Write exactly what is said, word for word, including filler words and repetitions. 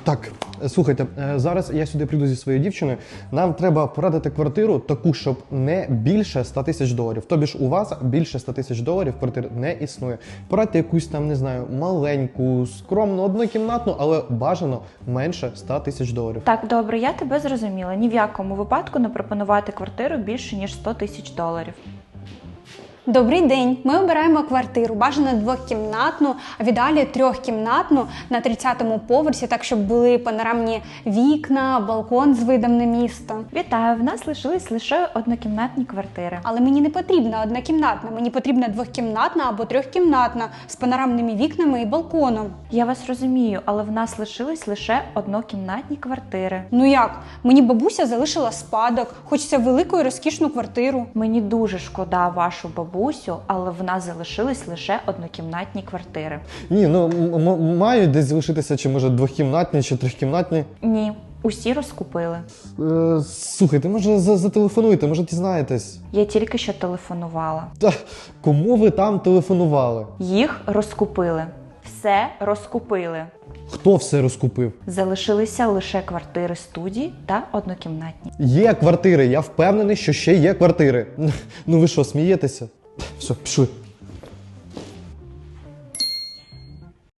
Так, слухайте, зараз я сюди прийду зі своєю дівчиною. Нам треба порадити квартиру таку, щоб не більше ста тисяч доларів. Тобі ж у вас більше ста тисяч доларів квартир не існує. Порадьте якусь там, не знаю, маленьку, скромну, однокімнатну, але бажано менше ста тисяч доларів. Так, добре, я тебе зрозуміла. Ні в якому випадку не пропонувати квартиру більше, ніж сто тисяч доларів. Добрий день. Ми обираємо квартиру, бажано двокімнатну, а в ідеалі трьохкімнатну на тридцятому поверсі, так щоб були панорамні вікна, балкон з видом на місто. Вітаю, в нас лишились лише однокімнатні квартири. Але мені не потрібна однокімнатна, мені потрібна двокімнатна або трьохкімнатна з панорамними вікнами і балконом. Я вас розумію, але в нас лишились лише однокімнатні квартири. Ну як? Мені бабуся залишила спадок, хочеться велику і розкішну квартиру. Мені дуже шкода вашу бабусю, але в нас залишились лише однокімнатні квартири. Ні, ну м- м- мають десь залишитися, чи може двохкімнатні, чи трьохкімнатні. Ні, усі розкупили. Е, слухайте, може за- зателефонуйте, може дізнаєтесь. Я тільки що телефонувала. Та кому ви там телефонували? Їх розкупили. Все розкупили. Хто все розкупив? Залишилися лише квартири студії та однокімнатні. Є квартири, я впевнений, що ще є квартири. Ну ви що, смієтеся? Все, пішли.